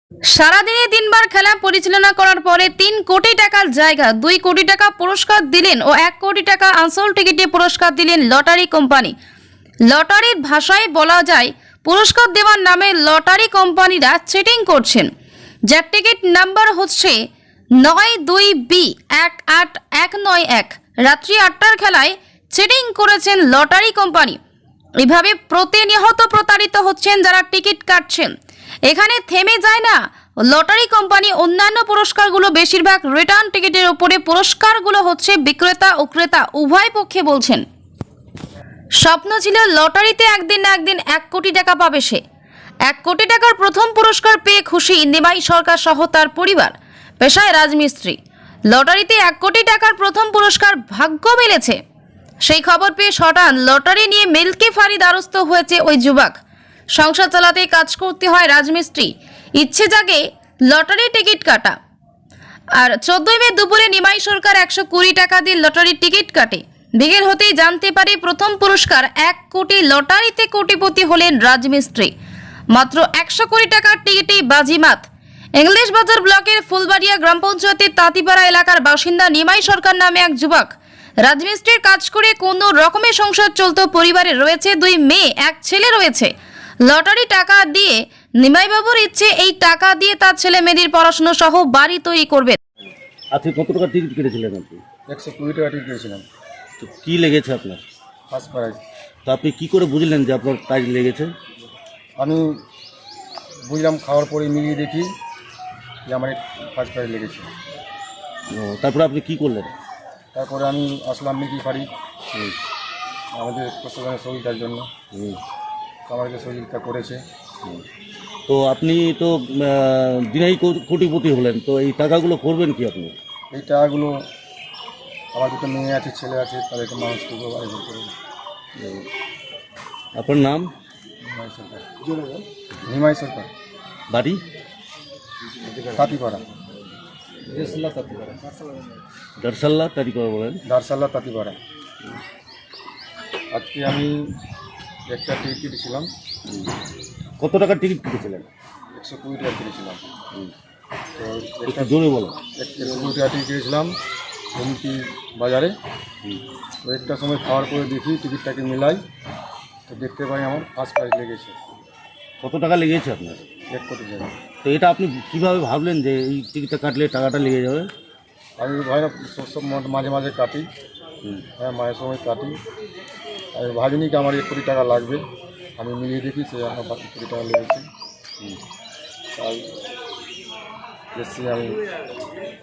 সারাদিনে 3বার খেলা পরিচালনা করার পরে 3 কোটি টাকার জায়গা 2 কোটি টাকা পুরস্কার দিলেন ও 1 কোটি টাকা আসল টিকিটে পুরস্কার দিলেন লটারি কোম্পানি। লটারির ভাষায় বলা যায় পুরস্কার দেওয়ার নামে লটারি কোম্পানিরা চিটিং করছেন। যার টিকিট নাম্বার হচ্ছে 92B18191। রাত্রি 8টার খেলায় চিটিং করেছেন লটারি কোম্পানি। এভাবে প্রতিনিয়ত প্রতারিত হচ্ছেন যারা টিকিট কাটছেন। এখানে থেমে যায় না লটারি কোম্পানি, অন্যান্য পুরস্কারগুলো বেশিরভাগ রিটার্ন টিকিটের উপরে পুরস্কারগুলো হচ্ছে বিক্রেতা ও ক্রেতা উভয় পক্ষে বলছেন। স্বপ্ন ছিল লটারিতে একদিন না একদিন 1 কোটি টাকা পাবে সে। 1 কোটি টাকার প্রথম পুরস্কার পেয়ে খুশি নিমাই সরকার সহ তার পরিবার। পেশায় রাজমিস্ত্রি। লটারিতে 1 কোটি টাকার প্রথম পুরস্কার ভাগ্য মিলেছে। সেই খবর পেয়ে শটান লটারি নিয়ে মিল্কি ফাঁড়ি দ্বারস্থ হয়েছে ওই যুবক। সংসার চালাতে কাজ করতে হয় রাজমিস্ত্রি, ইচ্ছে জাগে লটারি টিকিট কাটা। আর 14 মে দুপুরে নিমাই সরকার 120 টাকা দিয়ে লটারির টিকিট কাটে। বিকেল হতেই জানতে পারে প্রথম পুরস্কার 1 কোটি। লটারিতে কোটিপতি হলেন রাজমিস্ত্রি। মাত্র 100 কোটি টাকার টিকিটেই বাজিমাত। ইংলিশ বাজার ব্লকের ফুলবাড়িয়া গ্রাম পঞ্চায়েতের তাঁতিপাড়া এলাকার বাসিন্দা নিমাই সরকার নামে এক যুবক। রাজমিস্ত্রির কাজ করে কোনো রকমের সংসার চলত। পরিবারে রয়েছে 2 মেয়ে, 1 ছেলে রয়েছে। লটারি টাকা দিয়ে নিমাইবাবুর ইচ্ছে এই টাকা দিয়ে তার ছেলে মেয়েদের পড়াশোনা সহ বাড়ি তৈরি করবে। আজকে কত টাকা টিকিট কেটেছিলেন আপনি? 120 টাকা টিকিট কিনেছিলাম, তো কি লেগেছে আপনার? First prize. তো আপনি কি করে বুঝলেন যে আপনার প্রাইজ লেগেছে? আমি বুঝলাম, খাওয়ার পরে মিলিয়ে দেখি যে আমার ফার্স্ট প্রাইজ লেগেছে। তারপরে আপনি কি করলেন? তারপরে আমি আসলাম মিল্কি ফাঁড়ি আমাদের প্রশাসনের সহযোগিতার জন্য। আমাদেরকে সহযোগিতা করেছে। তো আপনি তো দিনেই কোটিপতি হলেন, তো এই টাকাগুলো করবেন কি আপনি? এই টাকাগুলো আমার 2টো মেয়ে আছে, ছেলে আছে, তাদেরকে মানুষ করবো, আয়োজন করবো। আপনার নাম? নিমাই সরকার। নিমাই সরকার, বাড়ি? তাঁতিপাড়া। দারসাল্লা তারিপাড়া বলেন? দারসাল্লা তাঁতিপাড়া। আজকে আমি একটা টিকিট কেটেছিলাম। কত টাকার টিকিট কেটেছিলেন? 120 টাকা কিনেছিলাম। তো একটু জোরে বলো। 120 টাকা টিকিট কিনেছিলাম হুমকি বাজারে। তো একটা সময় খাওয়ার পরে দেখি টিকিটটাকে মিলাই, তো দেখতে পাই আমার ফার্স্ট প্রাইজ লেগেছে। কত টাকা লেগেছে আপনার? 1 কোটি টাকা। তো এটা আপনি কিভাবে ভাবলেন যে এই টিকিটটা কাটলে টাকাটা লেগে যাবে? আমি ভাই না সব মাঝে মাঝে কাটি, হ্যাঁ মাঝে সময় কাটি। আমি ভাবিনি কি আমার 1 কোটি টাকা লাগবে। আমি মিলিয়ে দেখি সে আমার 1 কোটি টাকা লেগেছে। তাই এসছি আমি।